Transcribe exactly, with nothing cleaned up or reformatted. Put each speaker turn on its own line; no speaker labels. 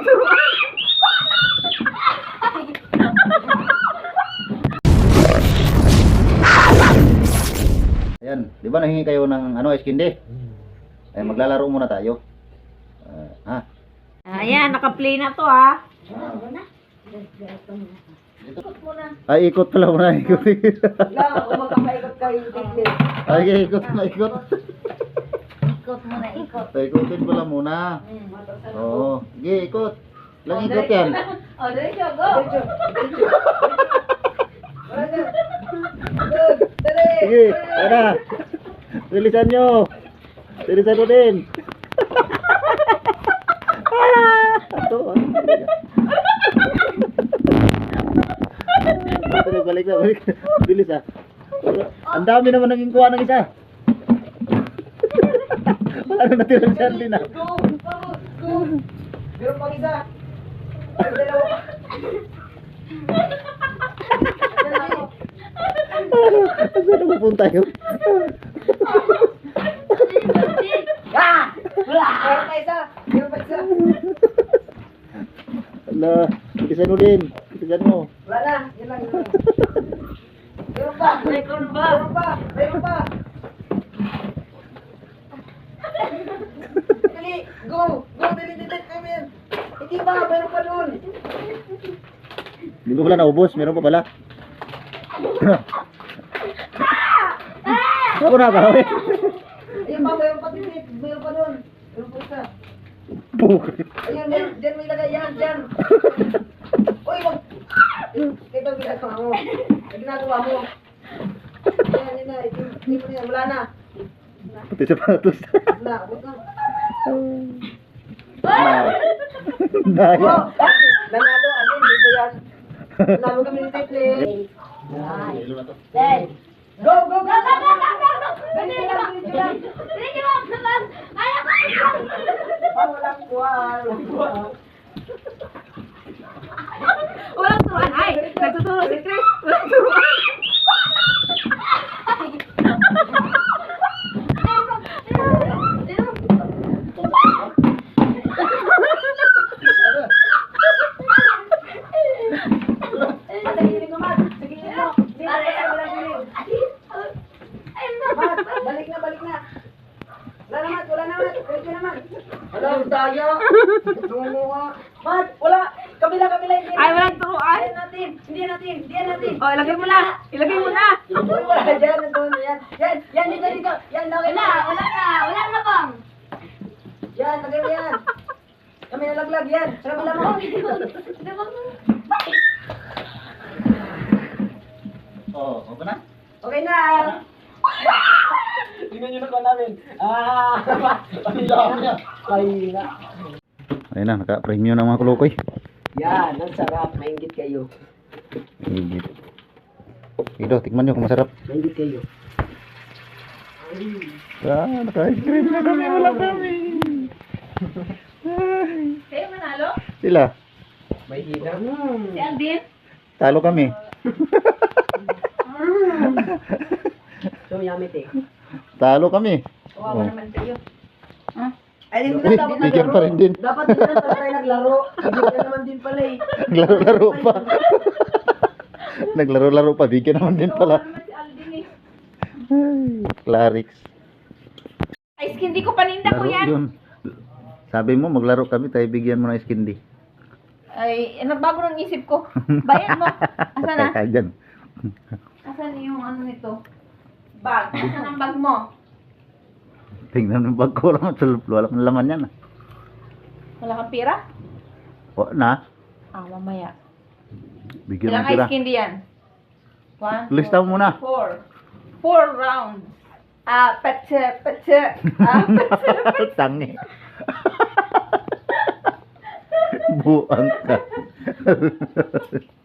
Ayan, di ba nahingi kayo ng ano, ice candy? Ay, maglalaro muna tayo. Uh, ha?
Ayan, naka-play na to ah.
Ay, ikot pala muna, ikot.
Lang, kung magkakaikot kayo, ikot.
Ay, ikot na, ikot.
Ikot muna, ikot.
Ay, ikotin pala muna. Oo, sige, ikot. Lang ikot yan.
O, diretso, go!
Sige, tara. Bilisan nyo. Bilisan mo din. Ito, ano? Ito, balik na, balik na. Bilis ah. Ang dami naman naging kuha ng isa. Wala na natira si Arlene ah.
Go! Go! Meron pang isa. Ay, dalawa.
Saan na pupunta yun?
Ah! Wala! Meron pa isa. Meron pa isa.
Ala, bilisan mo din. Bilisan mo.
Wala na. Yan lang. Yan lang. Meron pa. Meron pa. Meron pa. Meron pa. Dali. Go. Go. Dali. Dali. Come in. Hindi ba? Meron pa nun.
Hindi ko pala naubos. Meron pa pala. Ako na ba?
Ayun pa. Meron pa din. Meron pa nun. Meron pa isa. Ayun. Meron. Diyan may lagay. Yan. Diyan. Uy. Wag. Ito ang ginagawa mo. Ang ginagawa mo. Yan. Yan na. Hindi mo na yan. Wala na.
Pati sapatos.
Wala. Wag na.
Naya.
Oh, nanalo, alin, dito yan. Nanalo kami ni Teple. Ten. Go, go, go, go, go, go, go. Ganyan lang, ganyan lang. Ganyan lang. Ayaw ko. Oh, walang kuha, walang kuha. Walang turuan. Ay, nagtuturo si Chris. Walang turuan. Balik na, balik na. Wala na, Mat. Wala na, Mat. Balik na naman. Wala, daya. Tumuha. Mat, wala. Kabila, kabila. Hindi
Ay, walang turuan.
Hindi natin. Hindi natin. Hindi natin.
O, ilagay mo na. Ilagay mo na.
Uy, wala dyan. Nandun. Yan. Yan. Yan, dito, dito. Yan, lagay mo.
Wala, wala na. Wala na bang?
Yan, lagay mo yan. Kami nalaglag yan. Sa kabila mo.
Oh, okay na?
Okay na.
Tingnan nyo na ko namin. Ah! Ay na.
Ayun na, naka-premium ng mga kulukoy.
Yan, ang sarap. Maingit kayo.
Higit. Ito, tikman nyo kung masarap.
Maingit kayo.
Ah, naka-ice cream na kami. Wala kami.
Kayo manalo?
Sila,
May hina.
Si Aldin?
talo kami.
So, yamit eh.
Talo kami.
Kawawa
Oh.
naman kayo.
Ay, hindi
Uy,
na dapat
bigyan pa rin din.
Dapat hindi na tayo naglaro. Hindi na naman din pala eh.
Naglaro-laro pa. Naglaro-laro pa. Bigyan naman din
Kawawa
pala.
naman si Aldin eh.
Ay, Clarix.
Ay, hindi ko paninda ko
Laro
yan.
yun. Sabi mo, maglaro kami, tayo bigyan mo ng ice candy.
Ay, nagbago ng isip ko. Bayan mo. Asan na?
Kaya dyan.
Asan yung ano nito? Bag. Asan ang bag mo?
Tingnan mo bag ko lang. Wala kang laman yan. ah.
Wala kang pira?
O, na.
Ah, mamaya.
Bigyan
Ilang
mo sila.
ice candy yan? One,
Lista mo muna.
Four. Four rounds. Ah, patse, patse. Ah, patse, patse.
Tangi. Buang ka.